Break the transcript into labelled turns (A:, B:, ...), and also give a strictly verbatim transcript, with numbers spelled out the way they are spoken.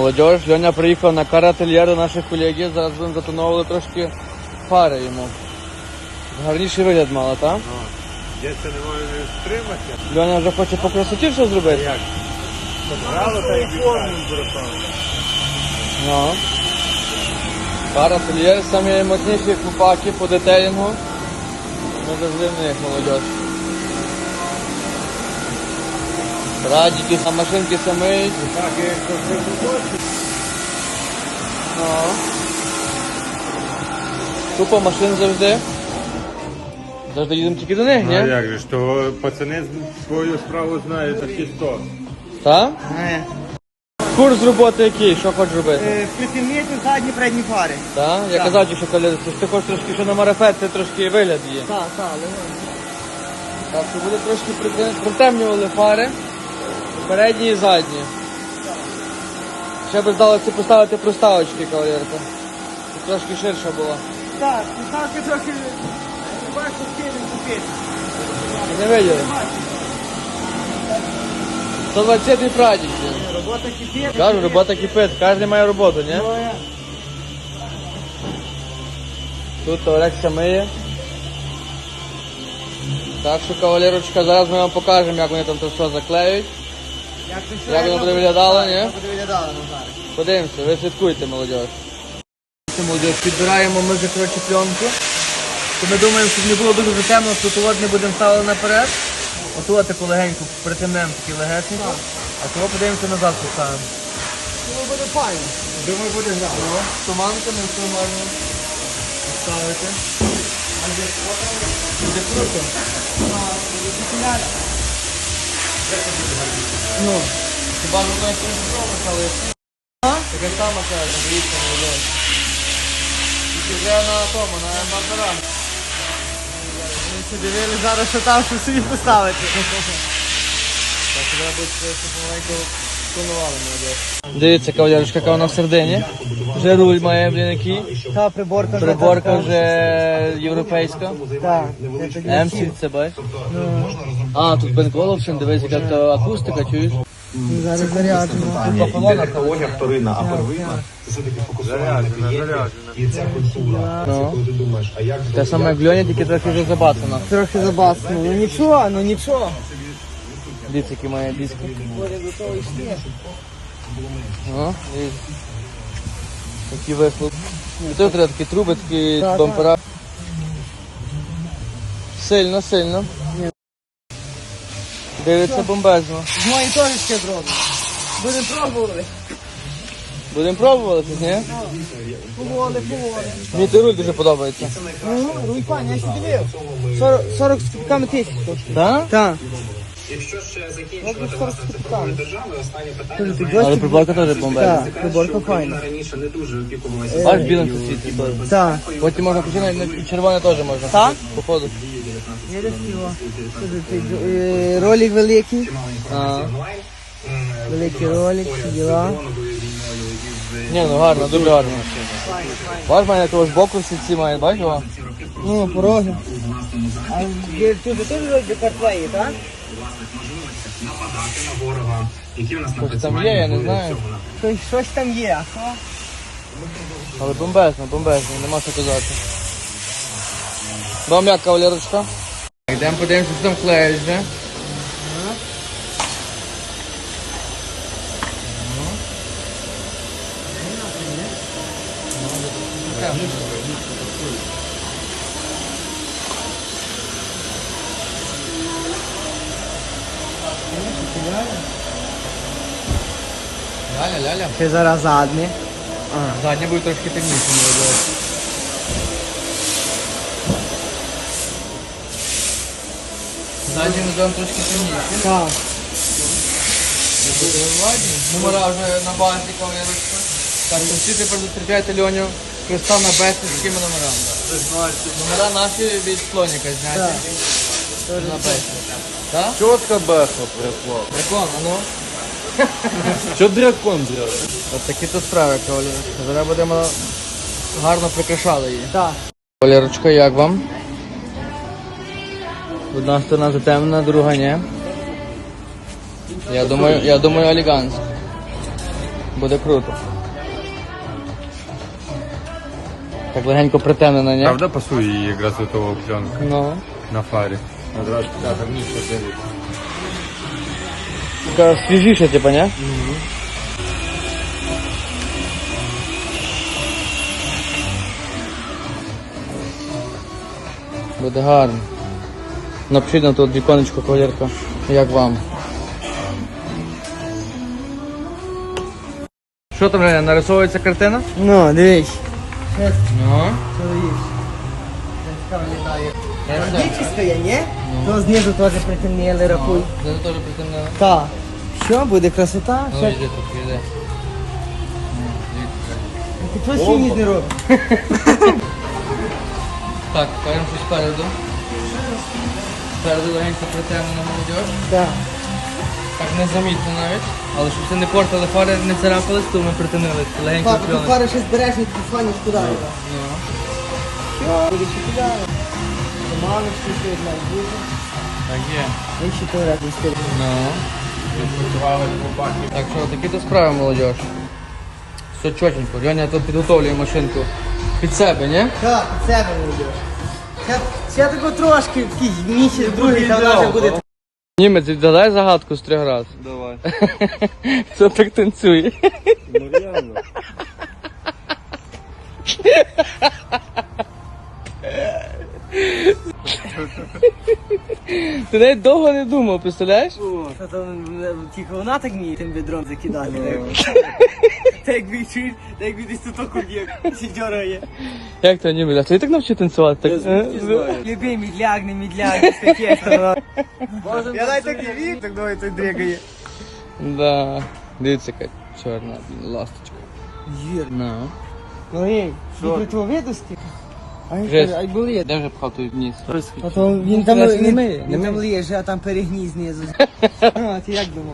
A: молодіж. Льоня приїхав на карательєр до наших колегів, зараз будемо затоновували трошки фари йому. Гарніший вигляд мало, так?
B: Я це не можу не стримати.
A: Льоня вже хоче по красоті все зробити?
B: Як? Брало та й відправили.
A: Ну. Карательєр, самі мощніші купаки по детейлінгу. Ми завжди в них, молодіж. Радіки, а машинки самі.
B: Так, я якщо це побачу.
A: Ну. Купа машин завжди. Завжди їдемо тільки до них,
B: Ну а
A: ні?
B: як же ж, то пацани свою справу знають за всі сто.
A: Так?
C: Е,
A: Курс роботи який? Що хочеш робити?
C: е, Притемніти задні передні фари.
A: Так? Я
C: Так.
A: казав, що коли ти хочеш трошки, що на марафет, це трошки вигляд є.
C: Так, так,
A: Так, що буде трошки прите- притемнювали фари. Передні і задні. Ще би здалося поставити проставочки, кавалерка. Щоб трошки ширша була.
C: так, писалки трохи бачу скинем купити.
A: Не виділи? сто двадцятий прадік.
C: Робота кипить.
A: Кажу, робота кипить, кожен має роботу, ні?
C: Двоє.
A: Тут Олекса миє. Так що, кавалерочка, зараз ми вам покажемо, як вони там це все заклеюють.
C: Як це що,
A: Як воно буде виглядало, ні?
C: Як буде виглядало, ну зараз.
A: Подивимося, ви слідкуйте, молодь. Молодь, підбираємо ми вже, коротше, пленку. То ми думаємо, щоб не було дуже темно, то тут не будемо ставити наперед. Отут таку легеньку притемнемо такі легесенько. А того подивимося назад поставимо.
C: Ну, буде файно.
B: Думаю, буде грати.
A: О, туманками все можна поставити. Буде круто. Ну, хіба ж воно якось зробить, але така сама каже, дивіться, молодь. Тільки вже на тому, на Бардара.
C: Ми ще дивили зараз, що там, що собі поставити.
A: Так, треба буде щоб помаленьку планували, молодь. Дивіться, кавалерочка, яка вона в середині. Вже руль має, блін, який.
C: Та приборка вже.
A: Приборка вже європейська.
C: Так. Я тоді
A: М сі, це бач. А, тут бенколовшин, дивись, яка то акустика, чуєш?
C: зараз заряджено.
D: Технологія вторинна, а первинна це все-таки фокусування на клієнті. І ця культура. Це
A: Ну.
D: коли ти думаєш, а як
A: Те саме як в Льоні, тільки трохи вже забацано.
C: Трохи забасно. Ну нічого, ну нічого.
A: Дивіться, які має диски. О, дивіться. Такий вихлоп. І тут треба такі труби, такі
C: Так,
A: бампера. Сильно, сильно. Дивиться бомбезно.
C: З мої теж ще зроблено. Будемо пробувати.
A: Будемо пробувати, ні?
C: Поволи, поволи.
A: Мені той руль дуже подобається.
C: Ну, руй пані, я ще дивив. сорок, сорок з кубками тисяч.
A: Так?
C: Так.
D: якщо ще закінчувати власне цифровою державою, останнє питання
C: Тут
D: знає,
A: Але приборка теж бомбезна.
C: Так, приборка
D: що Україна
C: файна.
D: раніше не дуже опікувалася.
A: Бач, білим сусідці теж.
C: Так.
A: Потім можна починати, і червоне теж можна.
C: Так?
A: Походу.
C: Я розпіла. Ролик великий.
A: А.
C: Великий ролик, всі діла.
A: Ні, ну гарно, дуже гарно. Бач, мене того ж боку всі ці має, бач його?
C: Ну, пороги. А є тут теж вроді картвеї, так?
D: нападати на ворога, які у нас
A: Щось там є, я не знаю.
C: Щось, щось там є, а що?
A: Але бомбезно, бомбезно, нема що казати. Вам як, кавалерочка? Йдемо подивимося, що там клеїть вже. Ляля, ляля.
C: Ще зараз задні.
A: Задня буде трошки темніше, молодь. Задня називаємо трошки темніше.
C: Так.
A: Номера вже на базі, кавалерочка. Так, то всі тепер зустрічайте Льоню Христа на бесі з такими номерами. Номера наші від слоніка зняті. На бесі. Так?
B: Чітко бехло прийшло.
A: Дракон, а ну.
B: Що дракон зробив?
A: От такі то справи, кавалерочка. Зараз будемо гарно прикрашали її.
C: Так.
A: Кавалерочка, як вам? Одна сторона затемнена, друга ні. Я думаю, я думаю, елегантно. Буде круто. Так легенько притемнено, ні?
B: Правда пасує її якраз до того пленка
A: Ну.
B: на фарі? Одразу туди гарніше дивиться.
A: Така свіжіша, типа, ні? Буде гарно. Напишіть на тут віконечко, кавалерка, як вам. Що там, Женя, нарисовується картина?
C: Ну, дивись.
A: Ну.
C: Дівчиська є, ні? То знизу теж притемніли, рахуй.
A: Це теж притемнено.
C: Так. Що, буде красота?
A: Ну,
C: Ще-
A: йди тут, йди.
C: Ти чого сіні не робиш?
A: Так, кажемо щось спереду. Спереду легенько притемнено молодіж.
C: Так.
A: Так незамітно навіть. Але щоб це не портили фари, не царапались, то ми притинили. Легенько
C: Папа, ти
A: пленочку.
C: пару ще збереш і ти фаниш туди. його.
A: Ну.
C: Що? Буде ще туди. Туманочки ще одна буде.
A: Так є.
C: І ще то разом стиль.
A: Ну. Так що, такі то справи, молодіж. Все чотенько. Льоня тут підготовлює машинку під себе, ні?
C: Так, під себе не йдеш. Ще, ще тако трошки, якийсь місяць, другий, та вона вже буде.
A: Німець, відгадай загадку з трьох раз.
B: Давай.
A: Хто так танцює?
B: Ну реально.
A: Ти навіть довго не думав, представляєш?
C: Що там, е, тільки вона так вміє тим відром закидати. Та як відчуєш, та як відесь тут окуб'єк, ще дьорає.
A: Як то німець? А ти так навчив танцювати? Так, е?
C: Любий мідляк, не мідляк, щось таке, що воно. Я навіть так не вік, так давай той дрігає.
A: Да. Дивіться, яка чорна, блін, ласточка.
C: Жир.
A: Ну.
C: Ну ей, від противовідності. Ай,
A: Жесть.
C: ай, болить.
A: Де вже пхав той вниз?
C: А то він там,
A: Краще не
C: він,
A: миє, не
C: він там
A: миє.
C: ліже, а там перегній знизу. А, ти як думав?